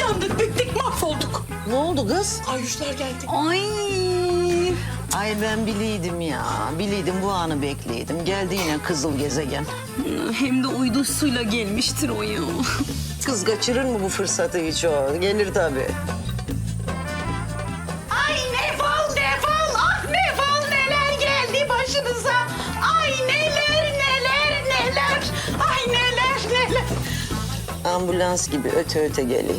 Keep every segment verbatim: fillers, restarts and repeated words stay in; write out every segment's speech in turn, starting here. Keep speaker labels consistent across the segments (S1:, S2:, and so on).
S1: yandık, bittik, mahvolduk.
S2: Ne oldu kız?
S1: Ayuşlar geldi.
S2: Ay. Ay ben biliydim ya. Biliydim bu anı bekliydim. Geldi yine kızıl gezegen.
S3: Hem de uydusuyla gelmiştir o ya.
S2: Kız kaçırır mı bu fırsatı hiç o? Gelir tabii.
S1: Ay ne fal ne fal, ah ne fal neler geldi başınıza. Ay neler neler neler, ay neler neler.
S2: Ambulans gibi öte öte geliyor.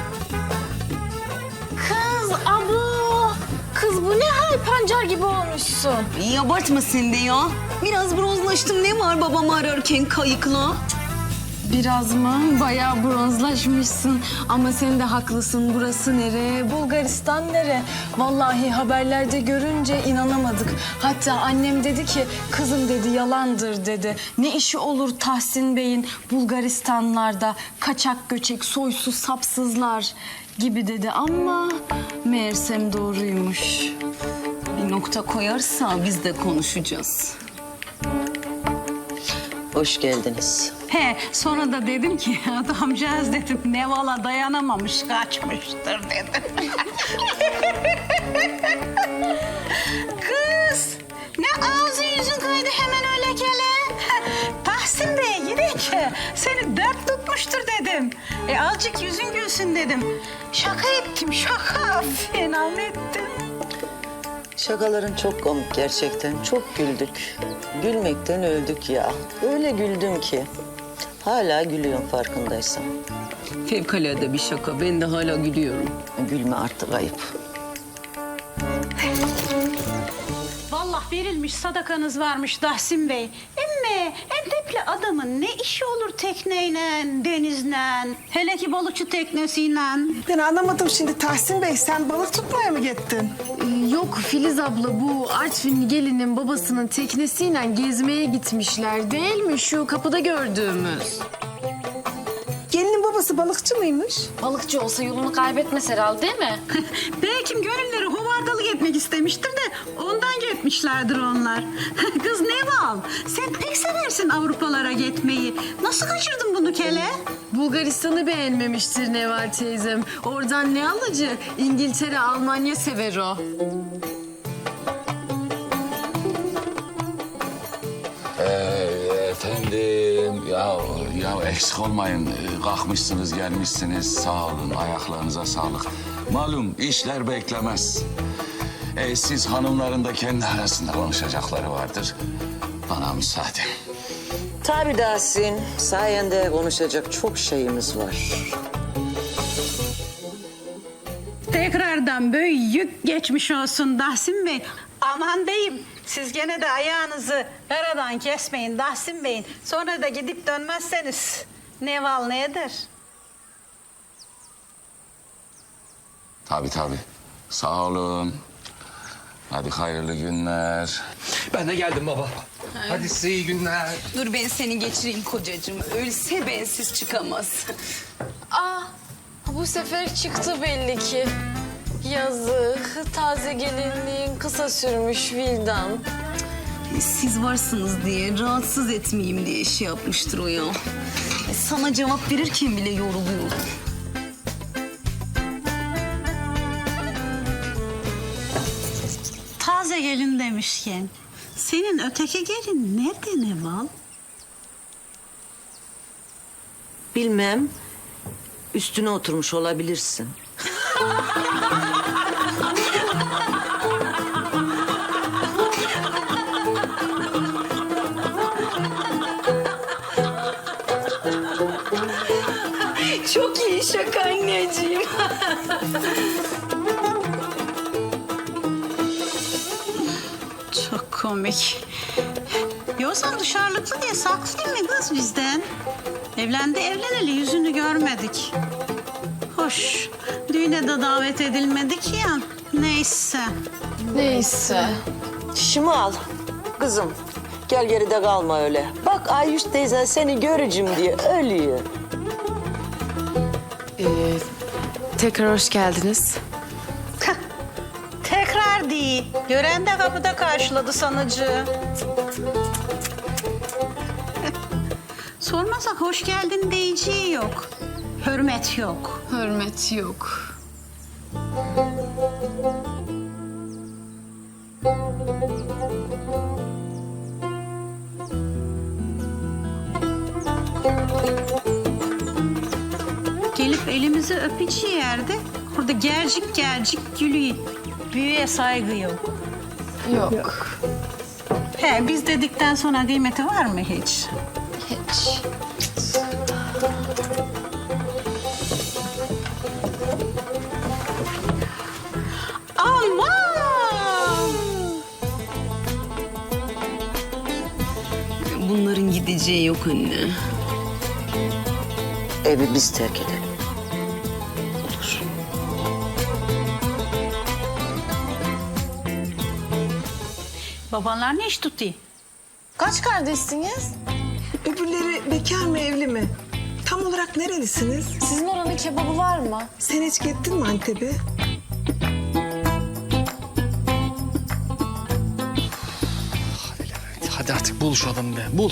S4: Kız abo. Kız bu ne hal, pancar gibi olmuşsun.
S3: İyi abartma sen de ya. Biraz bronzlaştım, ne var babamı ararken kayıkla?
S4: Biraz mı? Bayağı bronzlaşmışsın. Ama sen de haklısın. Burası nere? Bulgaristan nere? Vallahi haberlerde görünce inanamadık. Hatta annem dedi ki, kızım dedi yalandır dedi. Ne işi olur Tahsin Bey'in Bulgaristanlarda kaçak göçek soysuz sapsızlar gibi dedi ama meğersem doğruymuş.
S3: Bir nokta koyarsa biz de konuşacağız.
S2: Hoş geldiniz.
S5: He, sonra da dedim ki adamcağız dedim Neval'a dayanamamış kaçmıştır dedim. Kız ne ağzın yüzün kaydı hemen öyle kele. Tahsin Bey gidin ki seni dert tutmuştur dedim. E azıcık yüzün gülsün dedim. Şaka ettim şaka fena mı ettim?
S2: Şakaların çok komik gerçekten. Çok güldük. Gülmekten öldük ya. Öyle güldüm ki. Hala gülüyorum farkındaysan.
S3: Fevkalade bir şaka. Ben de hala gülüyorum.
S2: Gülme artık ayıp.
S5: Vallahi verilmiş sadakanız varmış Tahsin Bey. Emme Entepli adamın ne işi olur tekneyle, denizle, hele ki balıkçı teknesiyle.
S1: Ben anlamadım şimdi Tahsin Bey, sen balık tutmaya mı gittin?
S4: Ee, Yok Filiz abla, bu Artvinli gelinin babasının teknesiyle gezmeye gitmişler değil mi? Şu kapıda gördüğümüz.
S1: Gelinin babası balıkçı mıymış?
S4: Balıkçı olsa yolunu kaybetmez herhalde değil mi?
S5: Belki gönülleri hovardalık etmek istemiştir de ondan gitmişlerdir onlar. Kız Neval, sen pek seversin Avrupalara gitmeyi. Nasıl kaçırdın bunu kele?
S4: Bulgaristan'ı beğenmemiştir Neval teyzem. Oradan ne alıcı? İngiltere, Almanya sever o.
S6: Ee, efendim, ya ya eksik olmayın. Ee, Kalkmışsınız, gelmişsiniz. Sağ olun, ayaklarınıza sağlık. Malum işler beklemez. Ee, siz hanımların da kendi arasında konuşacakları vardır. Bana müsaade.
S2: Tabii Tahsin. Sayende konuşacak çok şeyimiz var.
S5: Tekrardan büyük geçmiş olsun Tahsin Bey. Aman deyim, siz gene de ayağınızı aradan kesmeyin Tahsin Bey'in. Sonra da gidip dönmezseniz Neval ne eder?
S6: Tabii tabii. Sağ olun. Hadi hayırlı günler.
S7: Ben de geldim baba. Hadi size iyi günler.
S3: Dur ben seni geçireyim kocacığım. Ölse bensiz çıkamaz.
S4: Aa, bu sefer çıktı belli ki. Yazık, taze gelinliğin kısa sürmüş Vildan.
S3: Siz varsınız diye, rahatsız etmeyeyim diye şey yapmıştır o ya. E, Sana cevap verirken bile yoruluyorum.
S5: Taze gelin demişken, senin öteki gelin nerede Neval?
S2: Bilmem. Üstüne oturmuş olabilirsin.
S3: Çok iyi şaka anneciğim.
S5: Çok komik. Yoksa dışarılıklı diye saklayayım mı kız bizden? Evlendi evleneli yüzünü görmedik. Hoş, düğüne de davet edilmedik ya. Neyse.
S4: Neyse.
S2: Şişimi al. Kızım gel geride kalma öyle. Bak Ayüş teyzen seni göreceğim diye ölüyor.
S4: Ee, tekrar hoş geldiniz.
S5: Tekrar değil. Gören de kapıda karşıladı sanıcı. Sormasak hoş geldin diyeceği yok. Hürmet yok.
S4: Hürmet yok.
S5: Gelip elimizi öpücü yerde orada gercik gercik gülüyor. Büyüye saygı yok.
S4: Yok.
S5: He biz dedikten sonra kıymeti var mı hiç?
S4: Hiç.
S5: Aman!
S3: Bunların gideceği yok anne.
S2: Evi biz terk edelim. Olur.
S5: Babanlar ne iş tutuyor?
S4: Kaç kardeşsiniz?
S8: Öbürleri bekar mı evli mi? Tam olarak nerelisiniz?
S4: Sizin oranın kebabı var mı?
S8: Sen hiç gittin mi Antep'e?
S7: Hadi artık bul şu adamı be. Bul.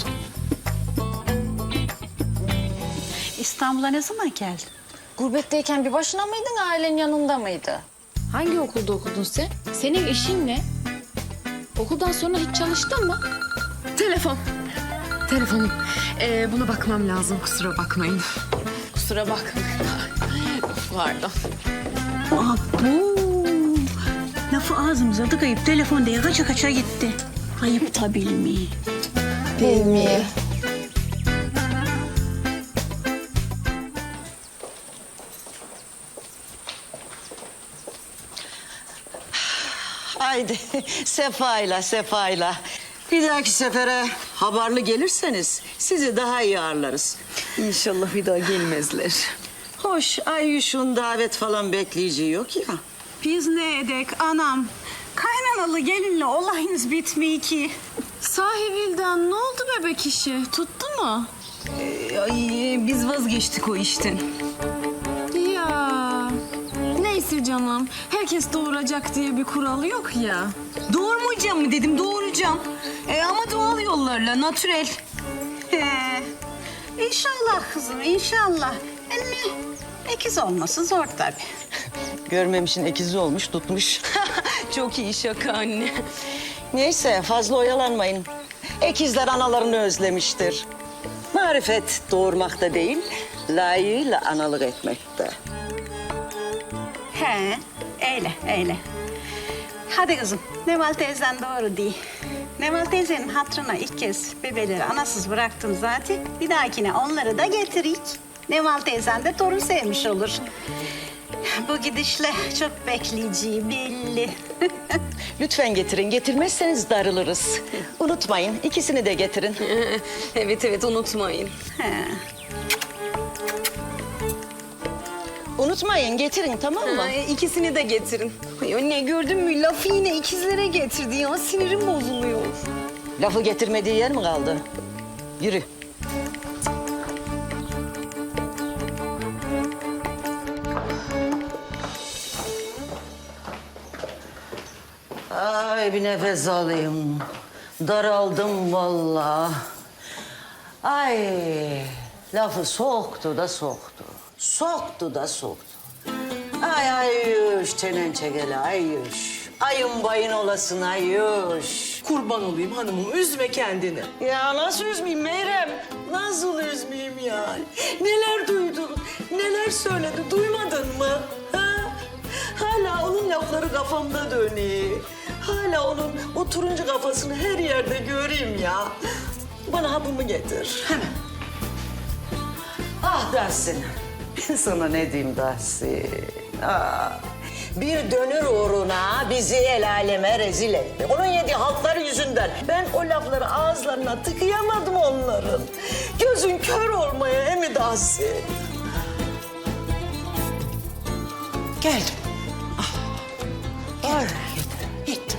S5: İstanbul'a ne zaman geldin?
S4: Gurbetteyken bir başına mıydın, ailen yanında mıydı?
S9: Hangi okulda okudun sen? Senin işin ne? Okuldan sonra hiç çalıştın mı? Telefon. Telefonum. Ee, buna bakmam lazım. Kusura bakmayın. Kusura bakmayın. Pardon.
S5: Abo! Lafı ağzımıza tıkayıp telefon diye kaça kaça gitti. Ayıp tabii mi?
S4: Değil mi?
S2: Haydi sefayla sefayla. Bir dahaki sefere haberli gelirseniz sizi daha iyi ağırlarız.
S3: İnşallah bir daha gelmezler.
S2: Hoş Ayyüş'ün davet falan bekleyeceği yok ya.
S5: Biz ne edek anam? Kaynanalı gelinle olayınız bitmiyor ki.
S4: Sahi Vildan, ne oldu bebek işi? Tuttu mu?
S3: Ee, ay, biz vazgeçtik o işten.
S4: Ya neyse canım. Herkes doğuracak diye bir kural yok ya.
S3: Doğurmayacağım mı dedim, doğuracağım. Ee, ama doğal yollarla, natürel.
S5: He. İnşallah kızım inşallah. Emmi ikiz olması zor tabii.
S2: Görmemişin ikizi olmuş tutmuş.
S3: Çok iyi şaka anne.
S2: Neyse fazla oyalanmayın. Ekizler analarını özlemiştir. Marifet doğurmakta değil, layığıyla analık etmekte.
S5: He öyle öyle. Hadi kızım Neval teyzen doğru değil. Neval teyzenin hatırına ilk kez bebeleri anasız bıraktım zaten. Bir dahakine onları da getirik. Neval teyzen de torun sevmiş olur. Bu gidişle çok bekleyeceği belli.
S2: Lütfen getirin, getirmezseniz darılırız. Unutmayın, ikisini de getirin.
S3: Evet evet, unutmayın.
S5: He.
S2: Unutmayın, getirin tamam mı?
S3: Ay, ikisini de getirin. Ay anne, gördün mü? Lafı yine ikizlere getirdi ya. Sinirim bozuluyor.
S2: Lafı getirmediği yer mi kaldı? Yürü. Ay bir nefes alayım. Daraldım vallahi. Ay lafı soktu da soktu. Soktu da soktu. Ay Ayyüş çenen çekeli Ayyüş. Ayın bayın olasın Ayyüş.
S8: Kurban olayım hanımım, üzme kendini.
S2: Ya nasıl üzmeyeyim Meyrem? Nasıl üzmeyeyim ya? Neler duydun, neler söyledi duymadın mı? Ha? Hala onun lafları kafamda dönüyor. Hala onun o turuncu kafasını her yerde göreyim ya. Bana hapımı getir. Hemen. Ah Dahsin. Ben sana ne diyeyim Dahsin? Ah. Bir dönür uğruna bizi el aleme rezil etti. Onun yediği halklar yüzünden. Ben o lafları ağızlarına tıkayamadım onların. Gözün kör olmaya emi Dahsin. Geldim. Ah. Ay, gittim.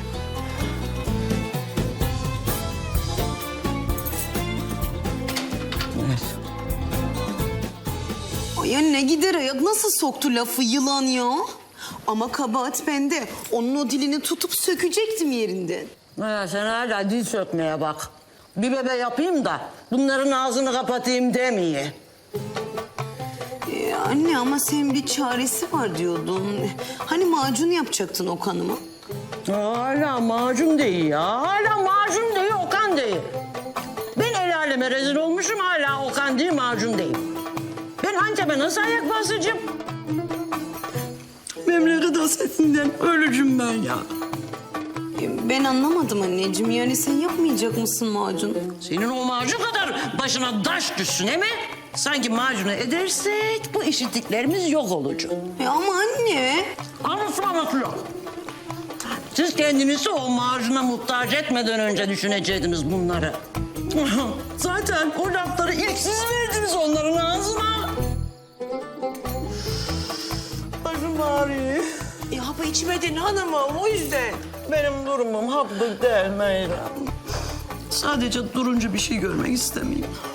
S3: Ay anne, gider ayak nasıl soktu lafı yılan ya? Ama kabahat bende. Onun o dilini tutup sökecektim yerinden.
S2: Ha, sen hala dil sökmeye bak. Bir bebe yapayım da bunların ağzını kapatayım demeye.
S3: Ee, Anne ama senin bir çaresi var diyordun. Hani macun yapacaktın Okan'ıma?
S2: Hala macun değil ya. Hala macun değil, Okan değil. Ben el aleme rezil olmuşum, hala Okan değil, macun değil. Ben Antep'e nasıl ayak basacağım? Memleket hasretinden ölücüm ben ya.
S3: E, Ben anlamadım anneciğim. Yani sen yapmayacak mısın macun?
S2: Senin o macun kadar başına taş düşsün değil mi? Sanki macunu edersek bu işittiklerimiz yok olacak.
S3: E ama anne.
S2: Anlatmamak yok. Siz kendinizi o macuna muhtaç etmeden önce düşünecektiniz bunları. Zaten o lafları ilk siz verdiniz onların ağzına. Başım ağrıyor.
S8: E, hapı içmedin hanımım o yüzden.
S2: Benim durumum haplık değil Meyrem. Sadece durunca bir şey görmek istemiyorum.